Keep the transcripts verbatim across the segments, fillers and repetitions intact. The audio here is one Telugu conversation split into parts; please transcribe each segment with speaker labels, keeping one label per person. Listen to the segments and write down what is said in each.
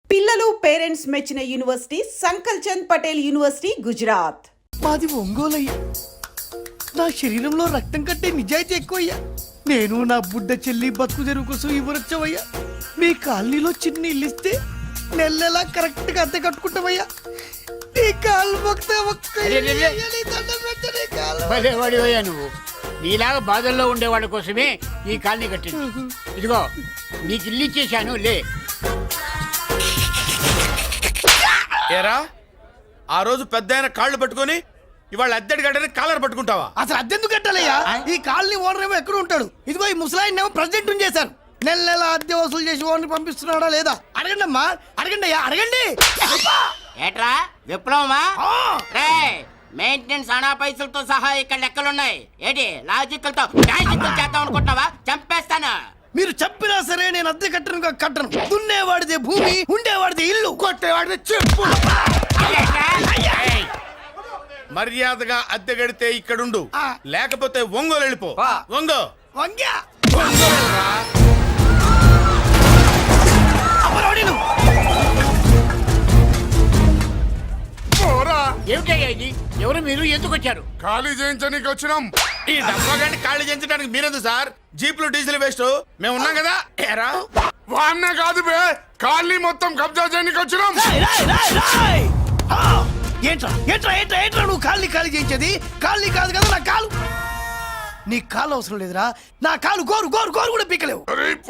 Speaker 1: పిల్లలు పేరెంట్స్ మెచ్చిన university Sankalchand Patel university Gujarat.
Speaker 2: మాది ఒంగోలయ్యా. నా శరీరంలో రక్తం కట్టే నిజాయితీ ఎక్కువయ్యా. నేను నా బుడ్డ చెల్లి బతుకు తెరువు కోసం ఇవ్వరొచ్చవయ్యా. మీ కాలనీలో చిన్న ఇల్లు ఇస్తే నెల నెలా కరెక్ట్ గా అద్దె కట్టుకుంటామయ్యా. నీ కాలు
Speaker 3: భలేవాడివయ్యా నువ్వు. నీలాగా బాధల్లో ఉండేవాళ్ళ కోసమే ఈ కాలనీ కట్టింది. ఇదిగో నీకు ఇల్లు ఇచ్చేశాను లే.
Speaker 4: ఏరా ఆ రోజు పెద్ద ఆయన కాళ్ళు పట్టుకొని ఇవాళ అద్దెడి గడ్డని కాలర్ పట్టుకుంటావా?
Speaker 2: అసలు అద్దెందుకు కట్టాలయ్యా? ఈ కాలనీ ఓనర్ ఏమో ఎక్కడ ఉంటాడు. ఇదిగో ఈ ముసలాయిన్ ఏమో ప్రెసిడెంట్ చేశారు. నెల నెల అద్దె వసూలు చేసి ఓనర్ పంపిస్తున్నాడా లేదా అడగండి అమ్మా. అడగండి అయ్యా, అడగండి.
Speaker 5: ఏట్రా విప్లవమా? రే మెయింటెనెన్స్ అనా పైసలతో సహా ఇక్కడ లెక్కలున్నాయి. ఏంటి లాజికల్ తో మ్యాజికల్ చేద్దాం అనుకుంటున్నావా? చంపేస్తాను.
Speaker 2: మీరు చెప్పినా సరే నేను అద్దె కట్టను కట్టను. దున్నేవాడిదే భూమి, ఉండేవాడిదే ఇల్లు, కొట్టేవాడిదే చెప్పు.
Speaker 4: మర్యాదగా అద్దె గడితే ఇక్కడుండు, లేకపోతే ఒంగోలు వెళ్ళిపో. ఒంగో
Speaker 2: వంగ్యా
Speaker 3: ఏమిటయ్యా ఇది? ఎవరు మీరు? ఎందుకు వచ్చారు?
Speaker 4: ఖాళీ చేయించడానికి వచ్చినాం. ఈ డబ్బా గంట ఖాళీ చేయించడానికి మీరెందు సార్? జీప్లు డీజిల్ వేస్ట్, మేము ఉన్నాం కదా. ఏరా వాన్న కాదు బే, ఖాళీ మొత్తం కబ్జా చేయడానికి వచ్చినాం.
Speaker 2: ఏంట్రా ఏంట్రా ఏంట్రా ఏంట్రా నువ్వు ఖాళీ ఖాళీ చేయించేది? ఖాళీ కాదు కదా నా కాలు. నీ కాలు అవసరం లేదురా. నా కాలు గోరు గోరు గోరు కూడా పీకలేవు.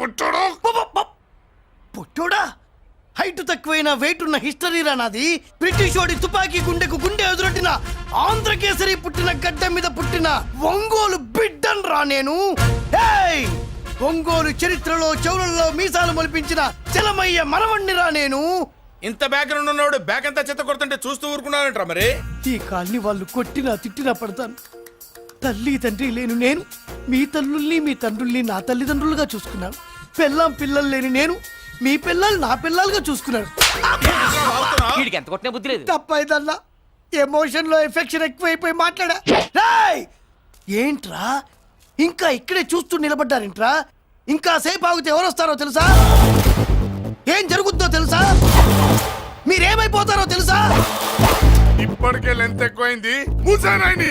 Speaker 2: పుట్టోడా? హైట్ తక్కువైన వెయిట్ ఉన్న హిస్టరీరా నాది. బ్రిటిష్ వాడి తుపాకీ గుండెకు గుండె ఎదురొట్టిన ఆంధ్రకేసరి పుట్టిన గడ్డ మీద పుట్టిన ఒంగోలు బిడ్డన్ రా నేను. ఒంగోలు చరిత్రలో చౌరల్లో మీసాలు మొలిపించిన చలమయ్య మనవణ్ణి రా నేను.
Speaker 4: ఇంత బ్యాక్గ్రౌండ్ ఉన్నవాడు బ్యాక్ అంతా చెత్త కొడుతుంటే చూస్తూ ఊరుకున్నారంట. మరి
Speaker 2: ఈ కాల్ని వాళ్ళు కొట్టినా తిట్టినా పడతాను. తల్లి తండ్రి లేను నేను మీ తల్లుల్ని మీ తండ్రుల్ని నా తల్లిదండ్రులుగా చూసుకున్నాను. పిల్లం పిల్లలు లేని నేను మీ పిల్లలు నా పిల్లలుగా చూసుకున్నాడు.
Speaker 5: ఎంత కొట్టిన బుద్ధి లేదు.
Speaker 2: తప్పైదల్లా ఎమోషన్ లో ఎఫెక్షన్ ఎక్కువైపోయి మాట్లాడా. రాయ్ ఏంట్రా ఇంకా ఇక్కడే చూస్తూ నిలబడ్డారేంట్రా? ఇంకా సేపు ఆగితే ఎవరు వస్తారో తెలుసా? ఏం జరుగుద్దో తెలుసా? మీరేమైపోతారో తెలుసా?
Speaker 4: ఇప్పటికే లెంత్ ఎక్కువైంది. మూసానాయని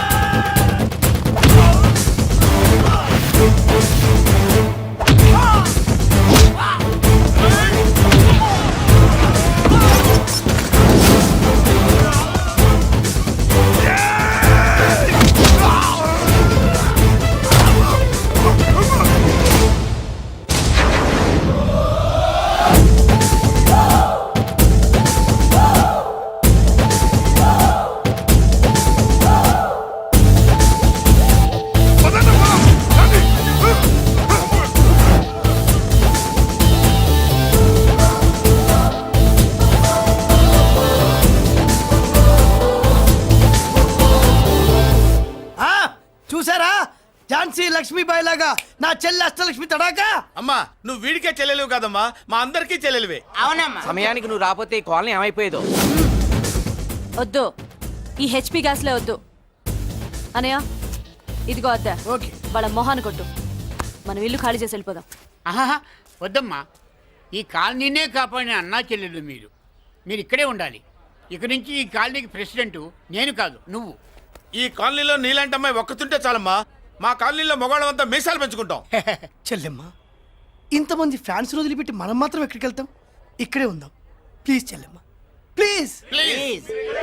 Speaker 2: లక్ష్మీబాయి లాగా నా చెల్లి అష్టలక్ష్మి తడాకా.
Speaker 4: అమ్మా నువ్వు వీడికే చెల్లెలివి కాదమ్మా, మా అందరికీ చెల్లెలివే.
Speaker 5: అవునమ్మా. సమయానికి నువ్వు రాకపోతే ఈ కాలనీ ఏమైపోయేదో.
Speaker 6: వద్దు, ఈ హెచ్పి గ్యాస్లే వద్దు. అనయ్య ఇదిగో అద్దా.
Speaker 2: ఓకే
Speaker 6: వాళ్ళ మొహాన్ని కొట్టు. మనం ఇల్లు ఖాళీ చేసి వెళ్ళిపోదాం.
Speaker 3: ఆహా వద్దమ్మా, ఈ కాలనీనే కాపాడిన అన్నా చెల్లెలు మీరు. మీరు ఇక్కడే ఉండాలి. ఇక నుంచి ఈ కాలనీకి ప్రెసిడెంట్ నేను కాదు నువ్వు.
Speaker 4: ఈ కాలనీలో నీలాంటి అమ్మాయి ఒక్కతుంటే చాలమ్మా. మా కాలనీలో మొగాళ్ళంతా మీసాలు పెంచుకుంటాం.
Speaker 2: చెల్లెమ్మ ఇంతమంది ఫ్యాన్స్ వదిలిపెట్టి మనం మాత్రం ఎక్కడికి వెళ్తాం? ఇక్కడే ఉందాం ప్లీజ్ చెల్లెమ్మ, ప్లీజ్
Speaker 5: ప్లీజ్.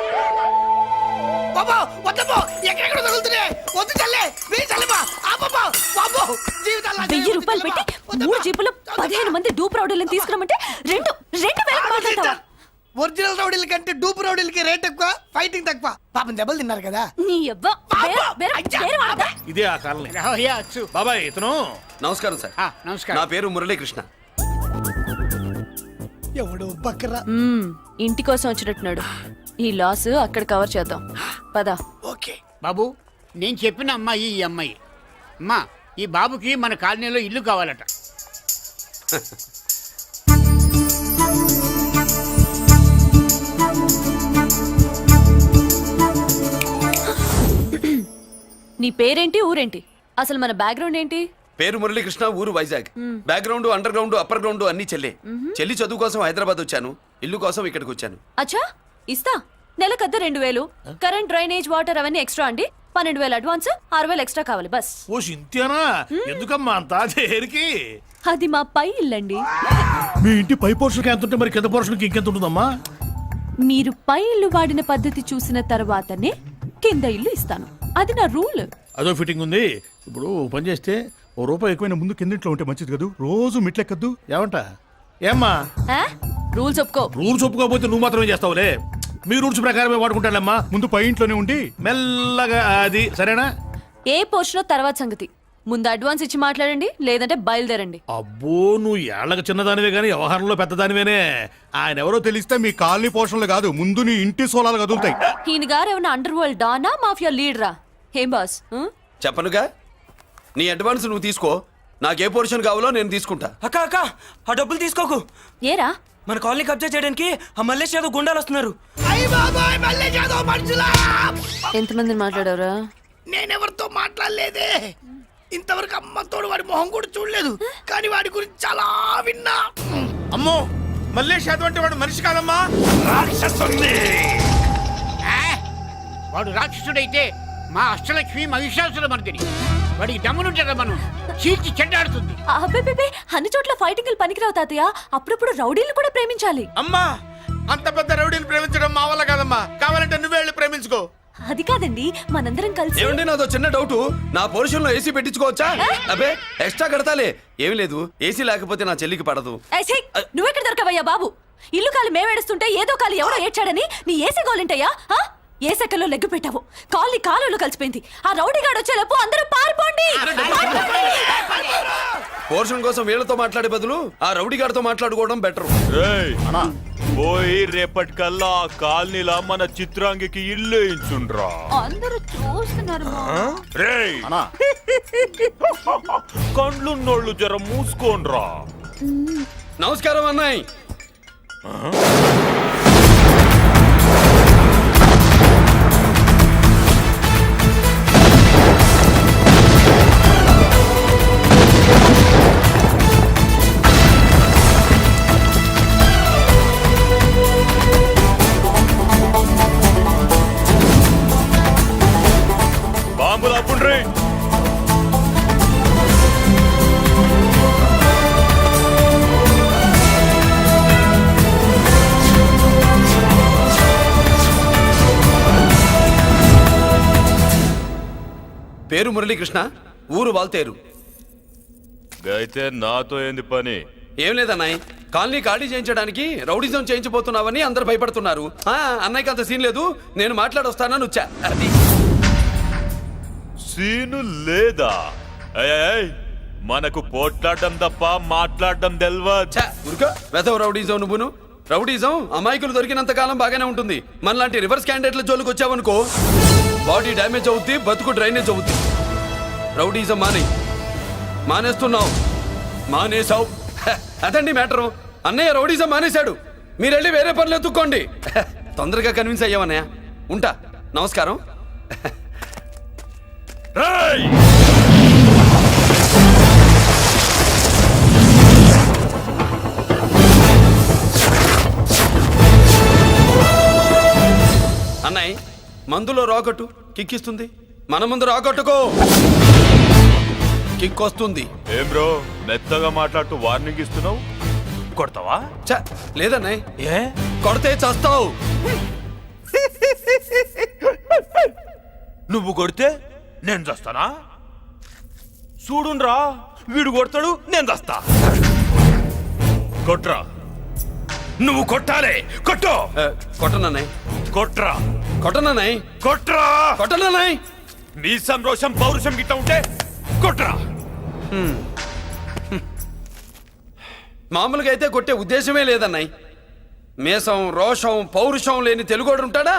Speaker 2: బాబా వద్దమ్మా, ఎక్కడెక్కడ తగులుతున్నాయి. వద్దు చెల్లె, ప్లీజ్ చెల్లెమ్మ. ఆపమ్మా బాబు, జీవితాల్లో
Speaker 6: వెయ్యి రూపాయలు పెట్టి మూడు జీపులు పదిహేను మంది డూప్ రౌడీలను తీసుకురమంటే రెండు రెండు వేలకు మాట్లాడతావా?
Speaker 2: ఒరిజినల్ రౌడీల కంటే డూప్ రౌడీలకి రేట్ ఎక్కువ, ఫైటింగ్ తక్కువ. పాపం దెబ్బలు తిన్నారు కదా.
Speaker 6: నీ అవ్వ
Speaker 7: ఇదే ఆ కాలనీ. బాబాయ్ ఇతను.
Speaker 8: నమస్కారం సార్.
Speaker 3: నమస్కారం.
Speaker 8: నా పేరు మురళీకృష్ణ.
Speaker 2: ఎవడు బక్కరా.
Speaker 6: ఇంటి కోసం వచ్చినట్టున్నాడు. ఈ లాస్ అక్కడ కవర్ చేద్దాం పద.
Speaker 2: ఓకే
Speaker 3: బాబు, నేను చెప్పిన అమ్మాయి ఈ అమ్మాయి. అమ్మా, ఈ బాబుకి మన కాలనీలో ఇల్లు కావాలట.
Speaker 6: నీ పేరేంటి, ఊరేంటి, అసలు మన బ్యాక్గ్రౌండ్ ఏంటి?
Speaker 8: పేరు మురళీకృష్ణ, ఊరు Vizag. Background, underground, upper ground అన్ని చెల్లె. చెల్లి చదువు కోసం హైదరాబాద్ వచ్చాను, ఇల్లు కోసం ఇక్కడికి వచ్చాను.
Speaker 6: అచ్చా ఇస్తా. నెలకద్ద రెండు వేలు, కరెంట్, డ్రైనేజ్, వాటర్ అవన్నీ ఎక్స్ట్రా అండి. పన్నెండు వేలు అడ్వాన్స్, ఆరు వేలు ఎక్స్ట్రా కావాలి బస్.
Speaker 7: ఓ సింతేనా? ఎందుకమ్మా అంత దేనికి?
Speaker 6: అది మా పై ఇల్లండి.
Speaker 7: మీ ఇంటి పై పోర్షన్కి ఎంత ఉంటే మరి కింద పోర్షన్కి ఇంకెంత ఉంటుందమ్మా?
Speaker 6: మీరు పై ఇల్లు వాడిన పద్ధతి చూసిన తర్వాతనే కింద ఇల్లు ఇస్తాను. అది నా రూల్.
Speaker 7: అదో ఫిట్టింగ్ ఉంది. ఇప్పుడు ఓ పని చేస్తే ఓ రూపాయి ఎక్కువైనా ముందు కిందింట్లో ఉంటే మంచిది కదూ, రోజు మిట్లెక్కద్దు. ఏమంటా? ఏమ్మా
Speaker 6: రూల్స్ ఒప్పుకో.
Speaker 7: రూల్స్ ఒప్పుకోకపోతే నువ్వు మాత్రమే చేస్తావులే. మీ రూల్స్ ప్రకారమే వాడుకుంటానమ్మా. ముందు పై ఇంట్లోనే ఉండి మెల్లగా అది సరేనా?
Speaker 6: ఏ పోర్షన్ తర్వాత సంగతి. ముందు అడ్వాన్స్ ఇచ్చి మాట్లాడండి, లేదంటే బయలుదేరండి.
Speaker 7: అబ్బో, నువ్వు ఏళ్ళకి చిన్నదానివే కానీ వ్యవహారంలో పెద్దదానివేనే. ఆయన ఎవరో తెలిస్తే మీ కాలనీ పోషణలు కాదు, ముందు నీ ఇంటి సోలాలు కదులుతాయి.
Speaker 6: ఈయన గారు ఏమైనా అండర్ వరల్డ్ డానా, మాఫియా లీడరా? ఏం బాస్? ఆ?
Speaker 8: చెప్పనుగా, నీ అడ్వాన్స్ నువ్వు తీసుకో, నాకే పోర్షన్ కావాలో నేను తీసుకుంటా.
Speaker 9: అక్క అక్క ఆ డబ్బులు తీసుకోకు.
Speaker 6: ఏరా?
Speaker 9: మన కాలనీ కబ్జా చేయడానికి ఆ మల్లేష్ యాదవ్ గుండాలు వస్తున్నారు.
Speaker 2: అయ్య బాబాయ్, మళ్ళీ ఏదో మనుషులా!
Speaker 6: ఎంతమందిని మాట్లాడారా?
Speaker 2: నేనెవరితో మాట్లాడలేదే. ఇంతవరకు అమ్మతోడు వాడి మొహం కూడా చూడలేదు, కానీ వాడి గురించి చాలా విన్నా.
Speaker 4: అమ్మో, మల్లేష్ యాదవ్ అంటే వాడు మనిషి కాదమ్మా,
Speaker 2: రాక్షసుని.
Speaker 3: ఆ? వాడు రాక్షసుడైతే మా అష్టలక్ష్మి మహిషాసుల మర్దిని. వాడికి దమ్మునుంటారా మనం చీల్చి చెడ్డాడుతుంది.
Speaker 6: అబ్బే, అన్ని చోట్ల ఫైటింగ్ పనికిరావు తాతయ్య. అప్పుడప్పుడు రౌడీలు కూడా ప్రేమించాలి.
Speaker 4: అమ్మా అంత పెద్ద రౌడీని ప్రేమించడం మా వల్ల కాదమ్మా, కావాలంటే నువ్వే వెళ్ళి ప్రేమించుకో.
Speaker 6: అది కాదండి, మనందరం కలిసి.
Speaker 8: ఏమండి, నాదో చిన్న డౌట్. నా పోర్షన్ లో ఏసీ పెట్టించుకోవచ్చా? అబ్బే, ఎక్స్ట్రా కడతాలే. ఏమి లేదు, ఏసీ లేకపోతే నా చెల్లికి పడదు.
Speaker 6: ఏయ్, ఛీ! నువ్వెక్కడ దొరకవయ్యా బాబు? ఇల్లు కాలు మేమేడుస్తుంటే ఏదో కాలు ఎవరో ఏడ్చాడని నీ ఏసీ గోలింటయ్యా? ఏ సెకల్లో లెగ్గు పెట్టావు, కాలి కాలులో కలిసిపోయింది. ఆ రౌడీ గాడు వచ్చేలోపు అందరూ పారిపోండి.
Speaker 8: పోర్షన్ కోసం వీళ్ళతో మాట్లాడే బదులు ఆ రౌడీ గారితో మాట్లాడుకోవడం బెటర్.
Speaker 10: పోయి రేపటికల్లా ఆ కాలనీలా మన చిత్రాంగికి ఇల్లు ఇచ్చుండ్రా.
Speaker 6: అందరూ చూస్తున్నారు.
Speaker 10: రేయ్ కండ్లున్నోళ్ళు జర మూసుకోండ్రా.
Speaker 8: నమస్కారం అన్నాయ్.
Speaker 10: బాంబులు అప్పుండ్రీ.
Speaker 8: పేరు మురళీకృష్ణ, ఊరు వాల్తేరు.
Speaker 10: అయితే నాతో ఏంది పని?
Speaker 8: ఏం లేదన్నాయ్, కాలనీ ఖాళీ చేయించడానికి రౌడిజం చేయించబోతున్నావని అందరు భయపడుతున్నారు. ఆ, అన్నయ్యకి అంత సీన్ లేదు, నేను మాట్లాడొస్తానని వచ్చా. అది
Speaker 10: సీను లేదా? ఏయ్, ఏయ్, మనకు పోట్లాడడం తప్ప మాట్లాడడం తెల్వా.
Speaker 8: ఉరుక వెధవ రౌడీజం. నువ్వును రౌడీజం అమాయకులు దొరికినంత కాలం బాగానే ఉంటుంది. మనలాంటి రివర్స్ క్యాండిడేట్ల జోలికి వచ్చావనుకో, బాడీ డ్యామేజ్ అవుద్ది, బతుకు డ్రైనేజ్ అవుద్ది. రౌడీజం మానే మానేస్తున్నావు మానేసావు అదండి మ్యాటరు. అన్నయ్య రౌడీజం మానేశాడు, మీరెళ్ళి వేరే పనులు ఎత్తుక్కోండి. తొందరగా కన్విన్స్ అయ్యావన్నయ్య. ఉంటా, నమస్కారం.
Speaker 10: రేయ్
Speaker 8: అన్నయ్య, మందులో రాకట్టు కిక్కిస్తుంది, మన ముందు రాకట్టుకో కిక్ వస్తుంది.
Speaker 10: ఏం బ్రో మెత్తగా మాట్లాడుతూ వార్నింగ్ ఇస్తున్నావు? కొడతావా?
Speaker 8: చ లేదన్నయ్య,
Speaker 10: ఏ
Speaker 8: కొడితే చస్తావు.
Speaker 10: నువ్వు కొడితే నేను చస్తానా? చూడుండ్రా, వీడు కొడతాడు, నేను చస్తా. కొట్రా, నువ్వు కొట్టాలే. కొట్టు.
Speaker 8: కొట్టనన్నయ్య,
Speaker 10: కొట్రా,
Speaker 8: కొట్టనన్నయ్య,
Speaker 10: కొట్రా,
Speaker 8: కొట్టనన్నయ్య.
Speaker 10: మీ సంరోషం పౌరుషం గిట్ట ఉంటే కొట్రా.
Speaker 8: మామూలుగా అయితే కొట్టే ఉద్దేశమే లేదన్నయ్య. మేషం, రోషం, పౌరుషం లేని తెలుగోడు ఉంటాడా?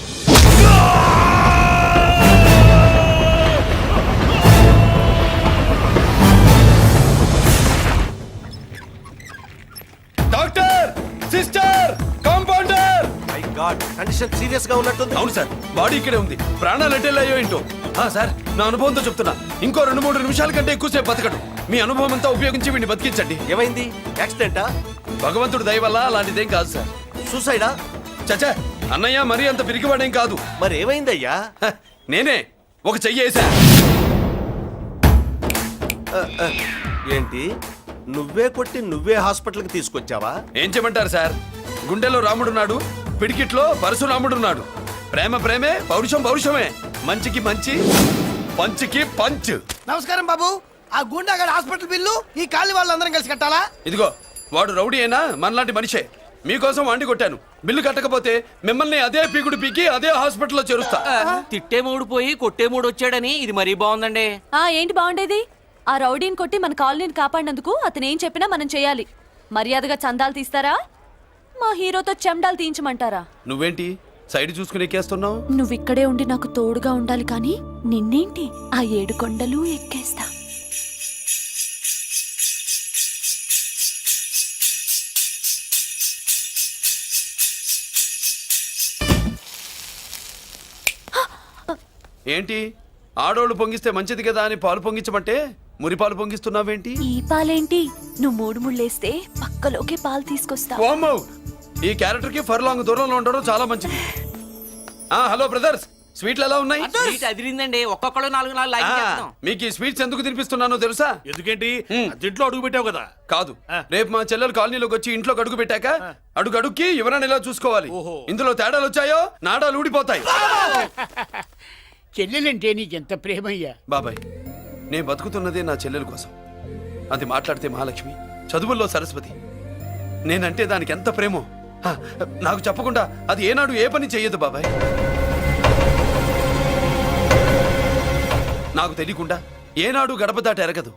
Speaker 8: Doctor, sister, compounder.
Speaker 2: My god, condition serious గా ఉన్నట్టుంది.
Speaker 8: అవును సార్, బాడీ ఇక్కడే ఉంది, ప్రాణాలు ఎట్టెళ్ళాయో ఏంటో. ఆ, సార్ నా అనుభవంతో చెప్తున్నా ఇంకో రెండు మూడు నిమిషాల కంటే ఎక్కువసేపు బతకడు మీ అనుభవం అంతా ఉపయోగించి వీడిని బతికించండి.
Speaker 2: ఏమైంది? యాక్సిడెంటా?
Speaker 8: భగవంతుడి దయ వల్ల అలాంటిదేం కాదు సార్.
Speaker 2: సూసైడా?
Speaker 8: చచ్చా అన్నయ్య మరీ అంత పిరికివాడేం కాదు.
Speaker 2: మరి ఏమైందయ్యా?
Speaker 8: హ, నేనే ఒక చెయ్యి వేసా.
Speaker 2: ఏంటి, నువ్వే కొట్టి నువ్వే హాస్పిటల్కి తీసుకొచ్చావా?
Speaker 8: ఏం చేయమంటారు సార్, గుండెలో రాముడున్నాడు, పిడికిట్లో పరశురాముడున్నాడు. ప్రేమ ప్రేమే, పౌరుషం పౌరుషమే, మంచికి మంచి, పంచికి పంచ్.
Speaker 2: నమస్కారం బాబు. ఆ గుండాగడ్ హాస్పిటల్ బిల్లు ఈ కాలి వాళ్ళందరం కలిసి కట్టాలా?
Speaker 8: ఇదిగో వాడు రౌడీ అయినా మనలాంటి మనిషే. మీకోసం వండి కొట్టాను. బిల్లు కట్టకపోతే మిమ్మల్ని అదే పీకుడు పీకి అదే హాస్పిటల్లో చేరుస్తా.
Speaker 9: తిట్టే మూడు పోయి కొట్టే మూడు వచ్చాడని ఇది మరీ బాగుందండి.
Speaker 6: ఆ ఏంటి బాగుండేది? ఆ రౌడీని కొట్టి మన కాలనీని కాపాడినందుకు అతను ఏం చెప్పినా మనం చేయాలి. మర్యాదగా చందాలు తీస్తారా, మా హీరోతో చెండాలు తీయించమంటారా?
Speaker 8: నువ్వేంటి సైడ్ చూసుకుని ఎక్కేస్తున్నావు?
Speaker 6: నువ్విక్కడే ఉండి నాకు తోడుగా ఉండాలి కానీ నిన్నేంటి ఆ ఏడు కొండలు ఎక్కేస్తా.
Speaker 8: ఏంటి ఆడోళ్ళు పొంగిస్తే మంచిది కదా అని పాలు పొంగించమంటే మురి పాలు పొంగిస్తున్నావేంటి?
Speaker 6: ఈ పాలేంటి, నువ్వు మూడు ముళ్ళేస్తే పక్కలోకే పాలు తీసుకొస్తా.
Speaker 8: వామ్మో! ఈ క్యారెక్టర్ కి ఫర్ లాంగ్ దూరంలో ఉండడం చాలా మంచిది. ఆ హలో బ్రదర్స్, స్వీట్లు ఎలా ఉన్నాయి?
Speaker 9: అదిరిందండి, ఒక్కొక్కడు నాలుగు నాలుగు లైక్ చేస్తాం.
Speaker 8: మీకు ఈ స్వీట్స్ ఎందుకు తినిపిస్తున్నానో తెలుసా?
Speaker 7: ఎందుకేంటి
Speaker 8: హ్మ్.
Speaker 7: అదింట్లో అడుగు పెట్టావు కదా.
Speaker 8: కాదు,
Speaker 7: ఆ.
Speaker 8: రేపు మా చెల్లెలు కాలనీలోకి వచ్చి ఇంట్లోకి అడుగు పెట్టాక అడుగు అడుక్కి ఎవరైనా ఇలా చూసుకోవాలి.
Speaker 7: ఓహో.
Speaker 8: ఇందులో తేడాలు వచ్చాయో నాడాలు ఊడిపోతాయి.
Speaker 3: చెల్లెలంటే నీకెంత ప్రేమయ్యా.
Speaker 8: బాబాయ్, నేను బతుకుతున్నదే నా చెల్లెల కోసం. అది మాట్లాడితే మహాలక్ష్మి, చదువుల్లో సరస్వతి. నేనంటే దానికి ఎంత ప్రేమో హ, నాకు చెప్పకుండా అది ఏనాడు ఏ పని చెయ్యదు బాబాయ్. నాకు తెలియకుండా ఏనాడు గడప దాట ఎరగదు.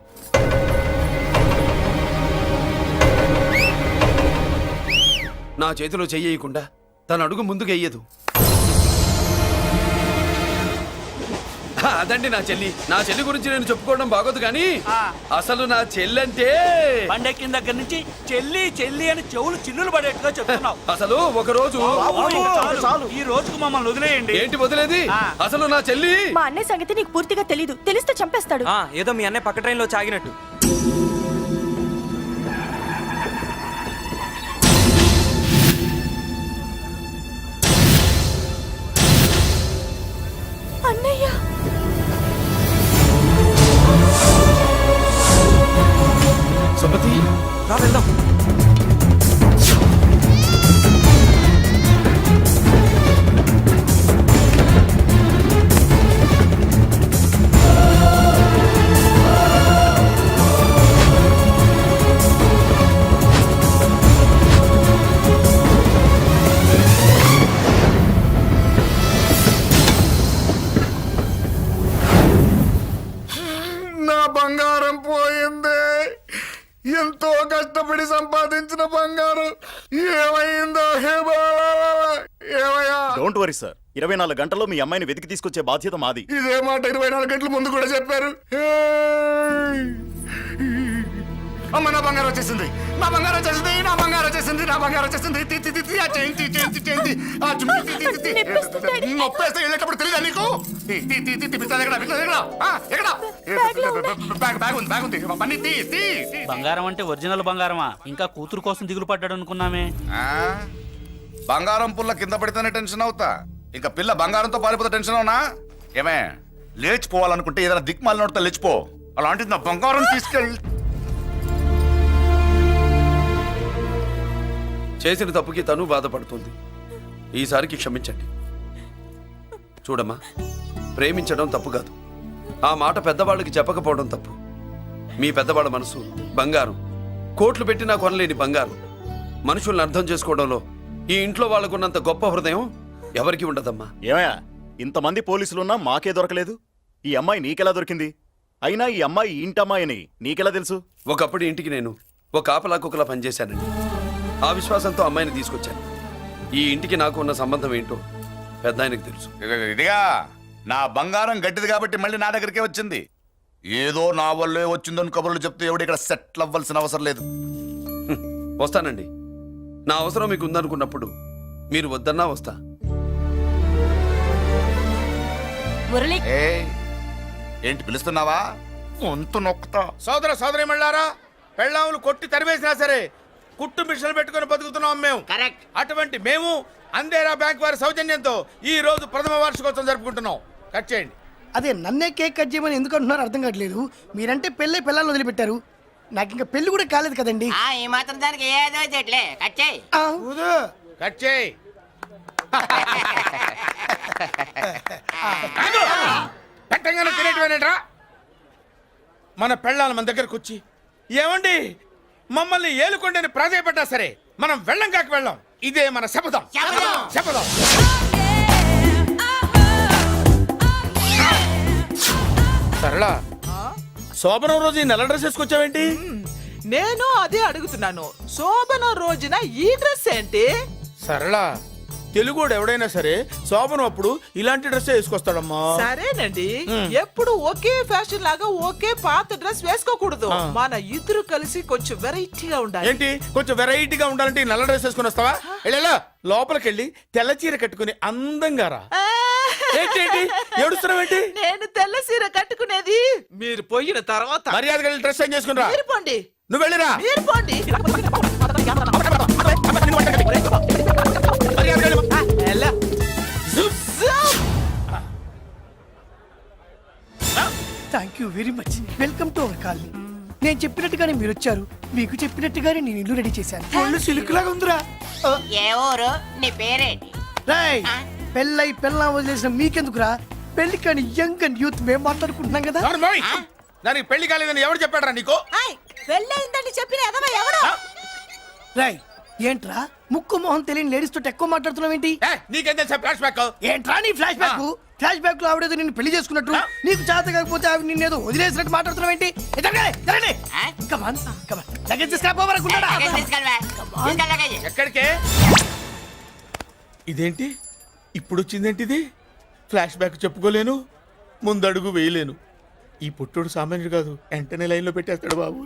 Speaker 8: నా చేతిలో చెయ్యకుండా తన అడుగు ముందుకు వెయ్యదు. హ, అదండి నా చెల్లి. నా చెల్లి గురించి నేను చెప్పుకోవడం బాగోదు కానీ అసలు నా చెల్లంటే
Speaker 9: పండెక్కిన దగ్గర నుంచి చెల్లి చెల్లి అని చెవులు చిల్లులు పడేట్టుగా చెప్తున్నావు.
Speaker 8: అసలు ఒక రోజు
Speaker 9: ఈ రోజుకు మమ్మల్ని వదిలేయండి.
Speaker 8: ఏంటి వదిలేది? అసలు నా చెల్లి
Speaker 6: మా అన్నయ్య సంగతి నీకు పూర్తిగా తెలీదు. తెలిస్తే చంపేస్తాడు.
Speaker 9: ఆ, ఏదో మీ అన్నయ్య పక్క ట్రైన్ లో చాగినట్టు.
Speaker 6: అన్నయ్య
Speaker 8: సుమతి,
Speaker 9: రా వెళ్దాం.
Speaker 4: నా బంగారం పోయింది. ఎంతో కష్టపడి సంపాదించిన బంగారం ఏమైందో హే బాబా! ఏమయ్యా?
Speaker 11: డోంట్ వరీ సార్, ఇరవై నాలుగు గంటల్లో మీ అమ్మాయిని వెతికి తీసుకొచ్చే బాధ్యత మాది.
Speaker 4: ఇదే మాట ఇరవై నాలుగు గంటల ముందు కూడా చెప్పారు. ఏయ్! అమ్మ, నా బంగారం వచ్చేసింది, నా బంగారం వచ్చేసింది, నా బంగారం వచ్చేసింది, నా బంగారం వచ్చేసింది. తి, తి, తి, తి, ఆ చేయించి చేయించి చేయించి ఆ చుమ్మి, తి, తి, తి, తి. నొప్పేస్తే వెళ్ళేటప్పుడు తెలియదా నీకు? తి, తి, తి, తి, తి, పిస్తాది ఎక్కడ, పిస్తాది ఎక్కడ? ఆ, ఎక్కడ? బ్యాగ్ బ్యాగ్ ఉంది, బ్యాగ్ ఉంది. పని తీ, తీ, తీ.
Speaker 9: బంగారం అంటే ఒరిజినల్ బంగారమా? ఇంకా కూతురు కోసం దిగులు పడ్డాడు అనుకున్నామే.
Speaker 4: ఆ? బంగారం పుల్ల కింద పడితేనే టెన్షన్ అవుతా, ఇంకా పిల్ల బంగారంతో పారిపోతే టెన్షన్ అవునా? ఏమే, లేచిపోవాలనుకుంటే ఏదైనా దిక్మాల నోడితే లేచిపో. అలాంటిది నా బంగారం తీసుకెళ్ళి
Speaker 8: చేసిన తప్పుకి తను బాధపడుతుంది. ఈసారికి క్షమించండి. చూడమ్మా, ప్రేమించడం తప్పు కాదు, ఆ మాట పెద్దవాళ్ళకి చెప్పకపోవడం తప్పు. మీ పెద్దవాళ్ళ మనసు బంగారం, కోట్లు పెట్టినా కొనలేని బంగారం. మనుషుల్ని అర్థం చేసుకోవడంలో ఈ ఇంట్లో వాళ్ళకున్నంత గొప్ప హృదయం ఎవరికి ఉండదమ్మా.
Speaker 11: ఏమయ్యా, ఇంతమంది పోలీసులున్నా మాకే దొరకలేదు. ఈ అమ్మాయి నీకెలా దొరికింది? అయినా ఈ అమ్మాయి ఈ ఇంటమ్మాయి అని నీకెలా తెలుసు?
Speaker 8: ఒకప్పుడు ఇంటికి నేను ఒక ఆపలా కుక్కలా పనిచేశానండి. ఆ విశ్వాసంతో అమ్మాయిని తీసుకొచ్చాను. ఈ ఇంటికి నాకు ఉన్న సంబంధం ఏంటో పెద్ద ఆయనకు తెలుసు.
Speaker 4: ఇదిగా నా బంగారం గట్టిది కాబట్టి మళ్ళీ నా దగ్గరికే వచ్చింది. ఏదో నా వల్లే వచ్చిందని కబుర్లు చెప్తే ఎవడు ఇక్కడ సెటిల్ అవ్వాల్సిన అవసరం లేదు.
Speaker 8: హ్మ్, వస్తానండి. నా అవసరం మీకు ఉందనుకున్నప్పుడు మీరు వద్దన్నా వస్తా.
Speaker 6: మురళి
Speaker 4: ఏయ్, ఏంటి పిలుస్తున్నావా? గొంతు నొక్కుతా.
Speaker 9: సోదర సోదరి మళ్ళారా, పెళ్ళాములు కొట్టి తరివేసినా సరే కుట్టు మిషన్లు పెట్టుకుని బతుకుతున్నాం మేము.
Speaker 5: కరెక్ట్.
Speaker 9: అటువంటి మేము అందేరా బ్యాంక్ వారి సౌజన్యంతో ఈ రోజు ప్రథమ వార్షికోత్సవం జరుపుకుంటున్నాం. కట్ చేయండి.
Speaker 2: అదే నన్నే కేక్ కట్ చేయమని ఎందుకు అంటున్నారో అర్థం కావట్లేదు. మీరంటే పెళ్ళై పిల్లల్ని వదిలిపెట్టారు, నాకు ఇంకా పెళ్లి కూడా కాలేదు కదండి.
Speaker 5: ఆ, ఈ మాత్రం దానికి ఏదో చెట్లే కచ్చేయి.
Speaker 2: ఆ,
Speaker 9: కట్ చేయి. పెట్టంగానే తినేటివేనేట్రా? మన పెళ్ళాలు మన దగ్గరకు వచ్చి ఏమండి మమ్మల్ని ఏలుకొండని ప్రాధాయపడ్డా సరే మనం వెళ్ళం కాక వెళ్ళం. ఇదే మన శపథం.
Speaker 5: శపథం.
Speaker 9: శపథం. సరళ, శోభనం రోజు ఈ నెల డ్రెస్ వేసుకొచ్చావేంటి?
Speaker 12: నేను అదే అడుగుతున్నాను. శోభన రోజున ఈ డ్రెస్ ఏంటి?
Speaker 9: సరళ, తెలుగుడు ఎవడైనా సరే శోభనం అప్పుడు ఇలాంటి డ్రెస్ వేసుకొస్తాడమ్మా.
Speaker 12: సరేనండి, ఎప్పుడు ఒకే ఫ్యాషన్ లాగా ఒకే పాత డ్రెస్ వేసుకోకూడదు. మన ఇద్దరు కలిసి కొంచెం వెరైటీగా ఉండాలి.
Speaker 9: ఏంటి కొంచెం వెరైటీగా ఉండాలంటే ఈ నల్ల డ్రెస్ వేసుకుని వస్తావా? వెళ్ళా లోపలికి వెళ్ళి తెల్ల చీర కట్టుకుని అందంగా రా.
Speaker 12: ఆ,
Speaker 9: ఏంటి ఏంటి ఏడుస్తున్నావేంటి?
Speaker 12: నేను తెల్ల సీర కట్టుకునేది మీరు పోయిన తర్వాత.
Speaker 9: మర్యాదగా వెళ్ళి డ్రెస్ చేంజ్ చేసుకుని రా.
Speaker 12: మీరు పోండి,
Speaker 9: నువ్వు వెళ్ళిరా.
Speaker 12: మీరు పోండి.
Speaker 9: మర్యాదగా వెళ్ళు.
Speaker 12: ఆ, ఎలా?
Speaker 9: జుప్.
Speaker 2: Thank you very much. Welcome to our colony. నేను చెప్పినట్టుగానే మీరు వచ్చారు, మీకు చెప్పినట్టుగానే నేను ఇల్లు రెడీ చేశాను. ఒళ్ళు సిల్క్ లాగా ఉందిరా. ఆ,
Speaker 5: ఏ ఊరు? నీ పేరేంటి?
Speaker 2: రేయ్, పెళ్ళై పెళ్ళ వదిలేసిన మీకెందుకురా? పెళ్లి కాని యంగ్ అండ్ యూత్ మేము మాట్లాడుకుంటున్నాం కదా.
Speaker 9: అవును మోయ్. దానికి పెళ్లి కాలేదని ఎవరు చెప్పాడరా నీకు?
Speaker 12: పెళ్ళయిందని చెప్పిన ఎదవ ఎవడు?
Speaker 2: రాయ్, ఏంట్రా ముక్కు మొహం తెలియని లేడీస్ తోటి ఎక్కువ మాట్లాడుతున్నావు ఏంటి?
Speaker 9: ఏ, నీకేం తెలుసా ఫ్లాష్ బ్యాక్?
Speaker 2: ఏంట్రా నీ ఫ్లాష్ బ్యాక్? ఫ్లాష్ బ్యాక్ లో ఆవిడేదో నిన్ను పెళ్లి చేసుకున్నట్టు, నీకు చేత కాకపోతే ఆవిడ నిన్నేదో వదిలేసినట్టు మాట్లాడుతున్నావు ఏంటి?
Speaker 5: ఆ?
Speaker 2: లగేజ్ తీసుకురాపోవరకుంటాడా?
Speaker 5: లగేజ్ తీసుకెళ్ళవా? తీసుకెళ్ళ లగేజ్.
Speaker 9: ఎక్కడికే? ఇదేంటి ఇప్పుడు వచ్చిందేంటి ఇది? ఫ్లాష్ బ్యాక్ చెప్పుకోలేను, ముందడుగు వేయలేను. ఈ పుట్టుడు సామాన్యుడు కాదు, వెంటనే లైన్లో పెట్టేస్తాడు బాబు.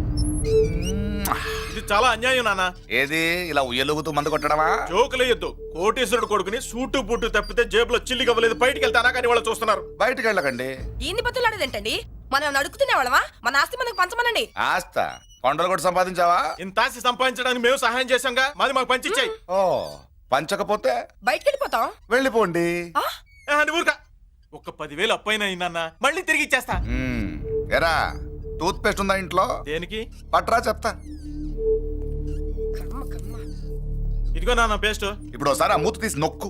Speaker 7: ఇది చాలా అన్యాయం నాన్న.
Speaker 4: ఏది ఇలా ఉయ్యలుగుతూ మందు కొట్టడమా?
Speaker 7: జోకులేయొద్దు. కోటేశ్వరుడు కొడుకుని సూటు బూటు తప్పితే జేబులో చిల్లి కవ్వలేదు, బయటికి వెళ్తానా కానీ వాళ్ళు చూస్తున్నారు.
Speaker 4: బయటికి వెళ్ళకండి.
Speaker 6: ఈయన్ని బతులాడేదేంటండి? మనం నడుకుతునే వాళ్ళమా? మన ఆస్తి మనకు పంచమనండి.
Speaker 4: ఆస్త కొండలు కూడా సంపాదించావా?
Speaker 7: ఇంత ఆస్తి సంపాదించడానికి మేము సహాయం చేశాంగా, మాది మాకు పంచిచ్చాయి.
Speaker 4: ఓ, పంచకపోతే
Speaker 6: బయటికి వెళ్ళిపోతాం.
Speaker 4: వెళ్ళిపోండి.
Speaker 7: ఊరుకా. ఒక్క పదివేలు అప్పైనా అయిందన్న, మళ్ళీ తిరిగి ఇచ్చేస్తా.
Speaker 4: మ్మ్. ఎరా, టూత్ పేస్ట్ ఉందా ఇంట్లో?
Speaker 7: దేనికి?
Speaker 4: పట్రా చెప్తా.
Speaker 7: ఇదిగో నాన్న పేస్ట్.
Speaker 4: ఇప్పుడు ఒకసారి ఆ మూత తీసి నొక్కు.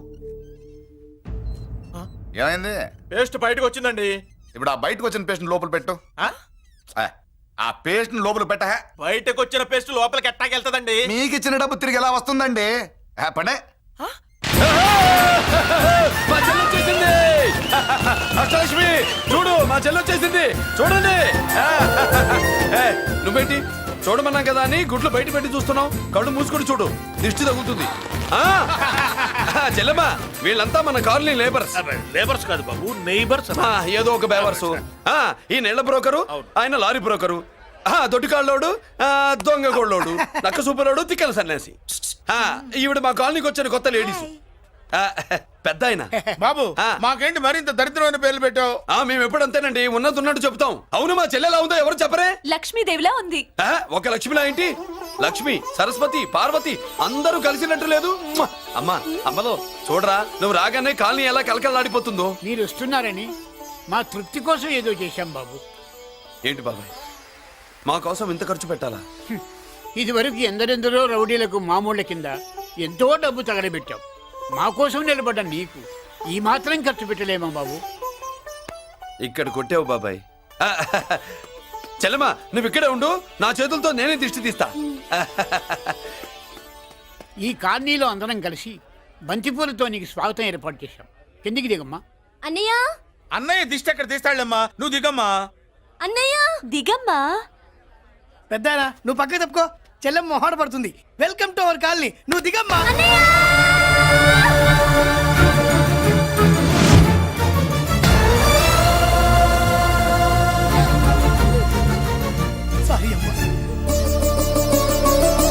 Speaker 4: ఏమైంది?
Speaker 7: పేస్ట్ బయటకు వచ్చిందండి.
Speaker 4: ఇప్పుడు ఆ బయటకు వచ్చిన పేస్ట్ లోపల పెట్టు.
Speaker 7: ఆ?
Speaker 4: ఆ, ఆ పేస్ట్ లోపల పెట్ట.
Speaker 7: బయటకు వచ్చిన పేస్ట్ లోపలికి ఎట్టాకెళ్తదండి?
Speaker 4: మీకు ఇచ్చిన డబ్బు తిరిగి ఎలా వస్తుందండి? ఆ, పనే.
Speaker 8: మా చెల్లి వచ్చేసింది. అష్టలక్ష్మి చూడు, మా చెల్లి వచ్చేసింది చూడండి. ఏ, నువ్వేంటి చూడమన్నాం కదా అని గుడ్లు బయట పెట్టి చూస్తున్నావు? కళ్ళు మూసుకొని చూడు, దిష్టి తగులుతుంది. ఆ, చెల్లెమ్మా, వీళ్ళంతా మన కాలనీ లేబర్స్.
Speaker 7: లేబర్స్ కాదు బాబు, నైబర్స్.
Speaker 8: ఆ, ఏదో ఒక బేవర్సు. ఆ, ఈ నెల బ్రోకరు, ఆయన లారీ బ్రోకరు, ఆ, దొడ్డికాళ్ళోడు, ఆ, దొంగ గోళ్ళోడు, నక్క సూపరోడు, తిక్కల సన్యాసి. ఆ, ఈవిడ మా కాలనీకి వచ్చిన కొత్త లేడీస్. ఆ, పెద్ద ఆయన.
Speaker 9: బాబు,
Speaker 8: ఆ.
Speaker 9: మాకేంటి మరింత దరిద్రమైన పేర్లు పెట్టావు?
Speaker 8: ఆ, మేము ఎప్పుడంతేనండి, ఉన్నది ఉన్నట్టు చెప్తాం. అవును, మా చెల్లెలా ఉందో ఎవరు చెప్పరే?
Speaker 6: లక్ష్మీదేవిలా ఉంది.
Speaker 8: ఆ, ఒక లక్ష్మిలా ఏంటి? లక్ష్మి, సరస్వతి, పార్వతి అందరూ కలిసినట్టు లేదు. మ్మ! అమ్మా, అమ్మలో చూడరా, నువ్వు రాగానే కాలనీ ఎలా కలకలాడిపోతుందో.
Speaker 3: మీరు వస్తున్నారని మా తృప్తి కోసం ఏదో చేశాం బాబు.
Speaker 8: ఏంటి బాబాయ్, మా కోసం ఇంత ఖర్చు పెట్టాలా?
Speaker 3: ఇదివరకు ఎందరెందరో రౌడీలకు మామూళ్ళ కింద ఎంతో డబ్బు తగలబెట్టాం. మా కోసం నిలబడ్డ నీకు ఈ మాత్రం ఖర్చు పెట్టలేమా బాబు?
Speaker 8: ఇక్కడ కొట్టావు బాబాయ్. ఆ, చెల్లెమ్మా, నువ్వు ఇక్కడే ఉండు, నా చేతులతో నేనే దిష్టి తీస్తా.
Speaker 3: ఈ కాలనీలో అందరం కలిసి బంతిపూలతో నీకు స్వాగతం ఏర్పాటు చేశాం. కిందికి దిగమ్మా.
Speaker 6: అన్నయ్య,
Speaker 9: అన్నయ్య దిష్టి ఎక్కడ తీస్తాడమ్మా, నువ్వు దిగమ్మా.
Speaker 6: అన్నయ్య దిగమ్మా.
Speaker 2: పెద్దారా, నువ్వు పక్కకి తప్పుకో, చెల్లెమ్మ మొహాట పడుతుంది. వెల్కమ్ టు అవర్ కాలనీ, నువ్వు దిగమ్మా. సారీ అమ్మా.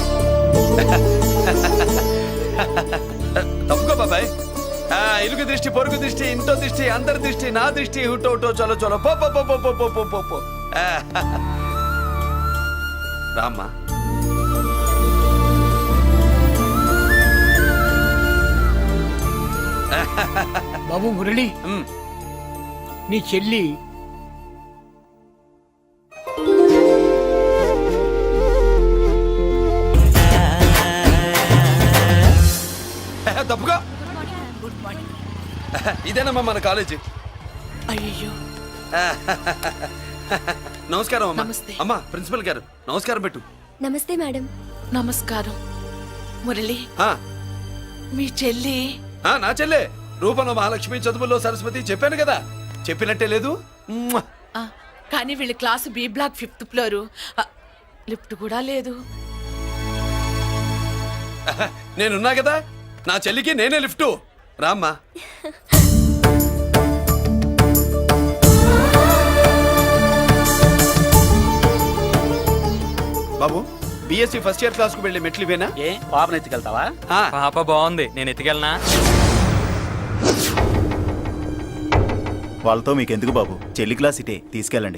Speaker 8: తప్పుకో బాబాయ్. ఆ, ఇరుగు దృష్టి పొరుగు దిష్టి ఇంటో దిష్టి అందరి దిష్టి నా దిష్టి హుటో హుటో చలో చలో పో పో పో పో పో పో పో పో పో ఆ, రామ్మా
Speaker 3: బాబు మురళి
Speaker 8: ఉమ్.
Speaker 3: నీ చెల్లి
Speaker 8: తప్పుగా ఇదేనమ్మా మన కాలేజీ
Speaker 12: అయ్యో
Speaker 8: నమస్కారం అమ్మా
Speaker 12: నమస్తే.
Speaker 8: అమ్మా ప్రిన్సిపల్ గారు నమస్కారం పెట్టు
Speaker 6: నమస్తే మేడం.
Speaker 12: నమస్కారం మురళి
Speaker 8: ఆ,
Speaker 12: మీ చెల్లి
Speaker 8: ఆ, నా చెల్లె రూపంలో మహాలక్ష్మి చదువుల్లో సరస్వతి చెప్పాను కదా చెప్పినట్టే లేదు మ్మ్.
Speaker 12: ఆ, కానీ వీళ్ళ class B block fifth floor ఆ, లిఫ్ట్ కూడా లేదు.
Speaker 8: నేనున్నా కదా నా చెల్లికి నేనే లిఫ్ట్ రామ్మా బాబు బిఎస్సి ఫస్ట్ ఇయర్ క్లాస్ కు వెళ్ళి మెట్లు ఇవేనా
Speaker 13: ఏ పాపను ఎత్తుకెళ్తావా
Speaker 8: ఆ,
Speaker 13: పాప బాగుంది నేను ఎత్తుకెళ్ళనా
Speaker 11: వాళ్ళతో మీకెందుకు బాబు, చెల్లి క్లాస్ ఇటే, తీసుకెళ్ళండి.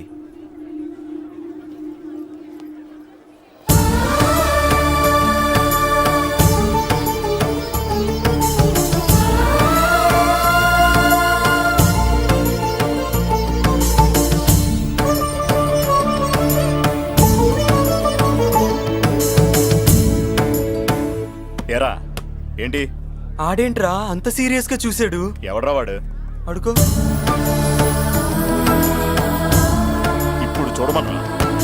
Speaker 11: ఎరా ఏంటి
Speaker 13: ఆడేంట్రా అంత సీరియస్ గా చూసాడు
Speaker 11: ఎవడ్రా వాడు?
Speaker 13: అడుకో
Speaker 11: ఇప్పుడు చూడమన్నా.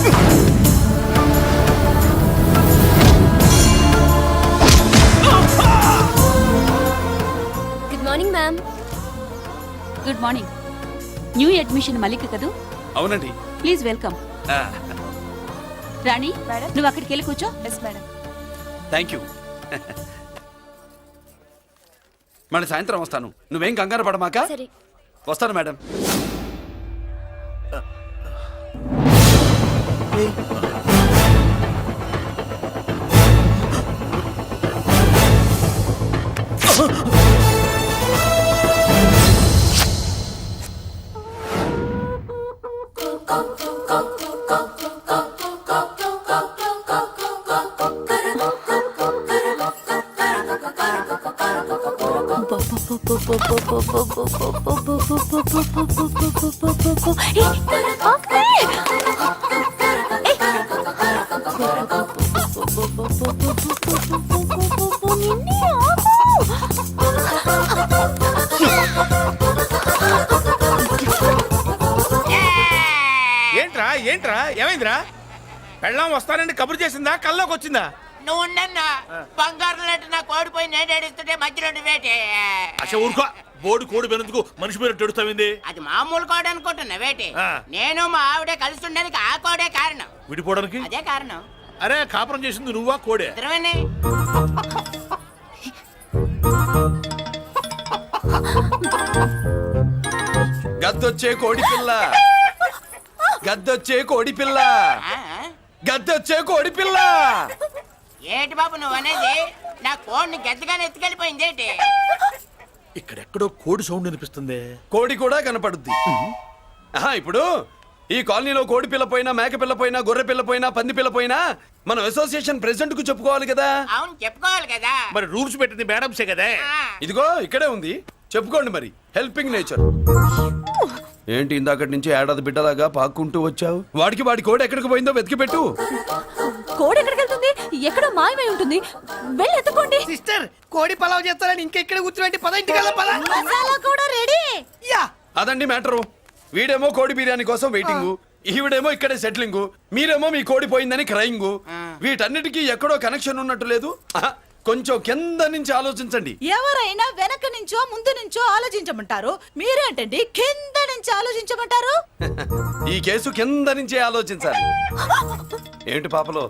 Speaker 6: Good morning ma'am.
Speaker 14: Good morning. New admission Mallika కదూ?
Speaker 8: అవునండి
Speaker 14: ప్లీజ్ వెల్కమ్.
Speaker 8: ఆ,
Speaker 14: రాణి నువ్వు అక్కడికి వెళ్ళి కూర్చో.
Speaker 6: Yes madam.
Speaker 8: థ్యాంక్ యూ మళ్ళీ సాయంత్రం వస్తాను నువ్వేం కంగారు పడమాక
Speaker 6: సరే.
Speaker 8: వస్తాను మేడం
Speaker 9: ఏంట్రా ఏంట్రా ఏమైందిరా పెళ్ళాం వస్తానండి కబురు చేసిందా కల్లోకి వచ్చిందా
Speaker 5: నువ్వు ఉండన్నా బంగారం లాంటి నాకు ఓడిపోయి నేను ఏడుస్తుంటే మధ్యలో నువ్వేటే
Speaker 7: అసలు ఊరుకో, బోర్డు కోడి పెనందుకు మనిషి మీద తెడుస్తావింది.
Speaker 5: అది మామూలు కోడ అనుకుంటున్నా వేటి
Speaker 7: ఆ.
Speaker 5: నేను మా ఆవిడే కలిసి ఉండడానికి ఆ కోడే కారణం
Speaker 7: విడిపోవడానికి?
Speaker 5: అదే కారణం
Speaker 7: అరే కాపురం చేసింది నువ్వా కోడే?
Speaker 5: ఇద్దరమేనే
Speaker 8: గద్దొచ్చే కోడి పిల్ల గద్దొచ్చే కోడి పిల్ల
Speaker 5: ఆ?
Speaker 8: గద్దొచ్చే కోడి పిల్ల
Speaker 5: ఏటి బాబు నువ్వు అనేది నా కోడిని గద్దగానే ఎత్తుకెళ్ళిపోయింది ఏంటి
Speaker 7: ఇక్కడెక్కడో కోడి సౌండ్ అనిపిస్తుంది.
Speaker 8: కోడి కూడా కనపడుద్ది ఆహా, ఇప్పుడు ఈ కాలనీలో కోడి పిల్ల పోయినా మేక పిల్ల పోయినా గొర్రె పిల్ల పోయినా పంది పిల్ల పోయినా మనం అసోసియేషన్ ప్రెసిడెంట్ కు చెప్పుకోవాలి కదా.
Speaker 5: అవును చెప్పుకోవాలి కదా
Speaker 7: మరి రూల్స్ పెట్టింది మేడంసే కదా.
Speaker 5: ఆ.
Speaker 8: ఇదిగో ఇక్కడే ఉంది చెప్పుకోండి మరి. Helping nature. ఏంటి ఇందాకటి నుంచి ఏడాది బిడ్డలాగా పాక్కుంటూ వచ్చావు? వాడికి వాడి కోడి ఎక్కడికి పోయిందో వెతికి పెట్టు.
Speaker 6: కోడి ఎక్కడికి వెళ్తుంది? ఎక్కడో మాయమై ఉంటుంది. వెళ్ళి ఎత్తుకోండి.
Speaker 2: సిస్టర్ కోడి పలావ్ చేస్తారని ఇంకెక్కడ కూర్చోండి, పద ఇంటికి వెళ్దాం, పద.
Speaker 6: మసాలా కూడా రెడీ.
Speaker 2: యా
Speaker 8: అదండి మ్యాటరు. వీడేమో కోడి బిర్యానీ కోసం వెయిటింగ్, ఈవిడేమో ఇక్కడే సెటిలింగ్, మీరేమో మీ కోడి పోయిందని క్రయింగ్. వీటన్నిటికీ ఎక్కడో కనెక్షన్ ఉన్నట్టు లేదు. ఆహా, కొంచెం కింద నుంచి ఆలోచించండి.
Speaker 1: ఎవరైనా వెనక నుంచో ముందు నుంచో ఆలోచించమంటారు, మీరేంటండి కింద నుంచి ఆలోచించమంటారు?
Speaker 8: ఈ కేసు కింద నుంచే ఆలోచించాలి. ఏంటి పాపలో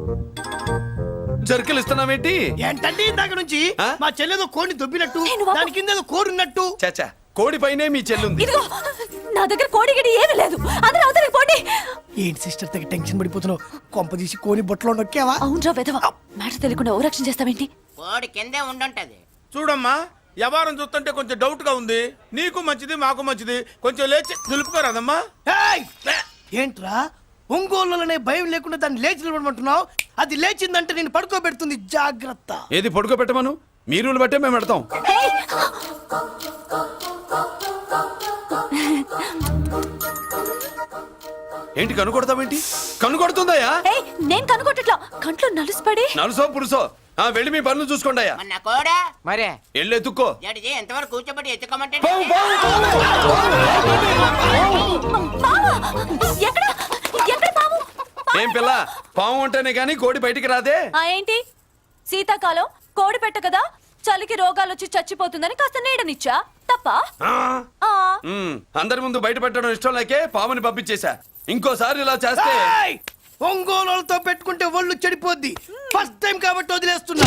Speaker 8: జర్కలు ఇస్తున్నావేంటి?
Speaker 2: ఏంటండి ఇందాక నుంచి
Speaker 8: ఆ?
Speaker 2: మా చెల్లెదో కోడిని దొబ్బినట్టు,
Speaker 6: నేను వాపు-
Speaker 2: దాని కింద ఏదో కోడి ఉన్నట్టు.
Speaker 8: చాచా కోడి పైనే మీ చెల్లుంది.
Speaker 6: ఇదిగో నా దగ్గర కోడి గిడి ఏమీ లేదు. అందరూ అవతలికి పోండి.
Speaker 2: ఏంటి సిస్టర్ దగ్గర టెన్షన్ పడిపోతున్నావు? కొంప తీసి కోని బొట్టలో నొక్కావా?
Speaker 6: అవునరా వెధవ. మ్యాటర్ తెలియకుండా ఓ రక్షణ చేస్తావేంటి?
Speaker 5: కోడి కిందే ఉండుంటది.
Speaker 9: చూడమ్మా వ్యవహారం చూస్తుంటే కొంచెం డౌట్ గా ఉంది. నీకు మంచిది మాకు మంచిది, కొంచెం లేచి నిలుపుకోరాదమ్మా.
Speaker 2: ఏయ్! ఏంట్రా ఒంగోలులోనే భయం లేకుండా దాన్ని లేచి నిలబడమంటున్నావు? అది లేచిందంటే నేను పడుకోబెడుతుంది, జాగ్రత్త.
Speaker 8: ఏది పడుకోబెట్టమను, మీ రూల్ బట్టే మేము పెడతాం. ఏంటి కనుకొడతావేంటి? కనుకొడుతుందయ్యా?
Speaker 6: ఏయ్, నేను కనుగొట్టట్లా, కంట్లో నలుసుపడి.
Speaker 8: నలుసో పురుసో ఆ వెళ్ళి మీ పనులు చూసుకోండి అయ్యా.
Speaker 5: మన కోడా
Speaker 12: మరే
Speaker 8: వెళ్ళి ఎత్తుక్కో.
Speaker 5: జడిజీ ఎంతవరకు కూర్చోబెట్టి ఎత్తుకోమంటే
Speaker 6: బావా, ఎక్కడ ఎక్కడ పాము?
Speaker 8: ఏం పిల్ల, పాము అంటేనే గాని కోడి బయటికి రాదే.
Speaker 6: ఆ ఏంటి, శీతాకాలం కోడి పెట్ట కదా, చలికి రోగాలు వచ్చి చచ్చిపోతుందని కాస్త నీడనిచ్చా, తప్ప? ఆ.
Speaker 8: ఉమ్, అందరి ముందు బయట పెట్టడం ఇష్టం లేకే పాముని పంపించేశా. ఇంకోసారి ఇలా చేస్తే
Speaker 2: ఏయ్! ఒంగోలులతో పెట్టుకుంటే ఒళ్ళు చెడిపోద్ది. ఫస్ట్ టైం కాబట్టి వదిలేస్తున్నా.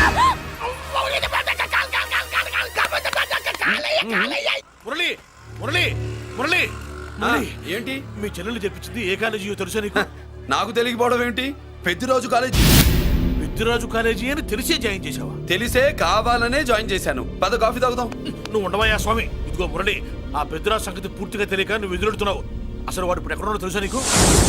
Speaker 7: మురళి మురళి మురళి
Speaker 8: ఆ, ఏంటి
Speaker 7: మీ చెల్లెలు చెప్పించింది ఏ కాలేజీ తెలుసా నీకు?
Speaker 8: నాకు తెలియకపోవడం ఏంటి? పెద్దిరాజు కాలేజీ.
Speaker 7: పెద్దిరాజు కాలేజీ అని తెలిసే జాయిన్ చేసావా?
Speaker 8: తెలిసే కావాలనే జాయిన్ చేశాను. పద కాఫీ తాగుదాం.
Speaker 7: నువ్వు ఉండవయ్యా స్వామి. ఇదిగో మురళి, ఆ పెద్దిరాజు సంగతి పూర్తిగా తెలియక నువ్వు ఎదురెడుతున్నావు. అసలు వాడు ఇప్పుడు ఎక్కడున్నాడో తెలుసా నీకు?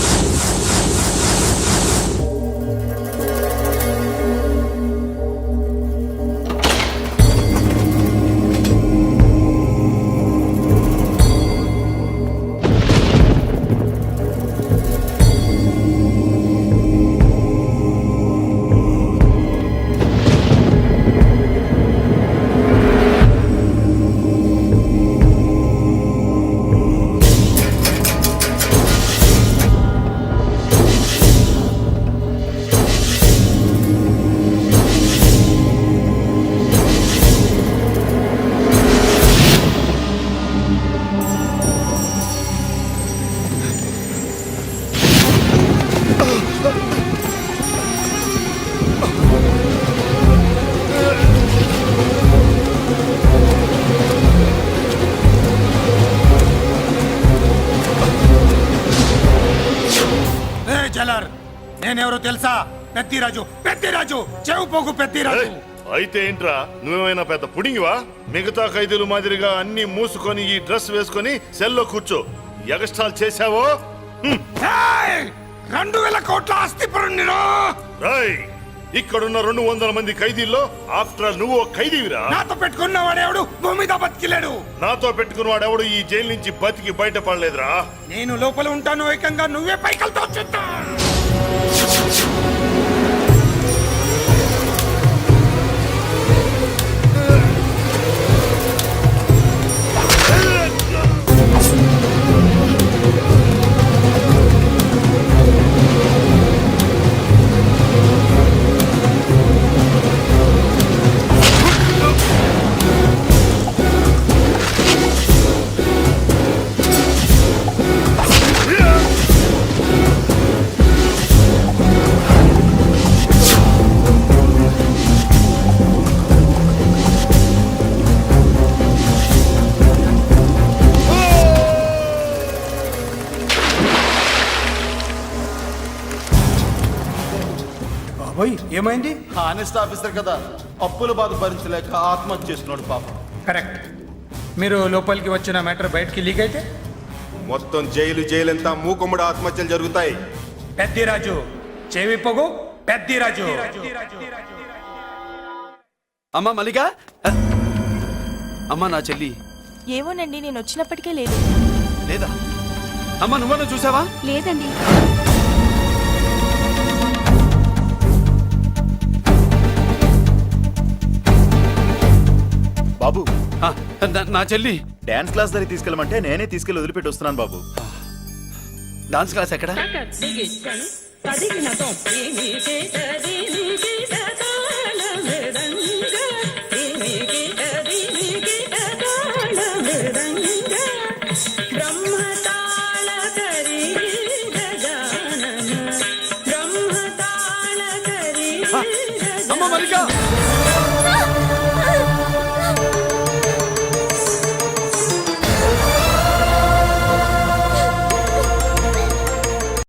Speaker 9: నేనెవరో తెలుసా? పెద్దిరాజు, పెద్దిరాజు, చెవు పోగు పెద్దిరాజు.
Speaker 10: అయితే ఏంట్రా, నువ్వేమైనా పెద్ద పుడింగివా? మిగతా ఖైదీలు మాదిరిగా అన్ని మూసుకొని ఈ డ్రెస్ వేసుకొని సెల్లో కూర్చో. ఎగస్ట్రాల్ చేశావో
Speaker 9: రెండు వేల కోట్ల ఆస్తి పరుణ్ణిరో.
Speaker 10: ఇక్కడున్న రెండు వందల మంది ఖైదీల్లో ఆఫ్టర్ ఆల్ నువ్వు ఖైదీవిరా.
Speaker 9: నాతో పెట్టుకున్న వాడెవడు భూమి మీద బతికిలేడు.
Speaker 10: నాతో పెట్టుకున్న వాడెవడు ఈ జైలు నుంచి బతికి బయటపడలేదురా.
Speaker 9: నేను లోపల ఉంటాను, ఏకంగా నువ్వే పైకలతో చూస్తా. ఏమైంది?
Speaker 15: హానెస్ట్ ఆఫీసర్ కదా, అప్పుల బాధ భరించలేక ఆత్మహత్య చేసుకున్నాడు పాపం.
Speaker 9: కరెక్ట్. మీరు లోపలికి వచ్చిన మ్యాటర్ బయటికి లీక్ అయితే
Speaker 15: మొత్తం జైలు జైలంతా మూకుమ్మడి ఆత్మహత్యలు జరుగుతాయి.
Speaker 9: పెద్దిరాజు, చెవి పొగు పెద్దిరాజు.
Speaker 8: అమ్మా మల్లిక, అమ్మా నా చెల్లి.
Speaker 6: ఏమోనండి, నేను వచ్చినప్పటికే లేదు.
Speaker 8: లేదా? అమ్మా నువ్వన్నా చూసావా?
Speaker 6: లేదండి.
Speaker 11: బాబు,
Speaker 8: ఆ, నా- నా చెల్లి
Speaker 11: డాన్స్ క్లాస్ దగ్గర తీసుకెళ్ళమంటే నేనే తీసుకెళ్ళి వదిలిపెట్టి వస్తున్నాను బాబు.
Speaker 8: డాన్స్ క్లాస్ ఎక్కడ? అమ్మ మల్లిక,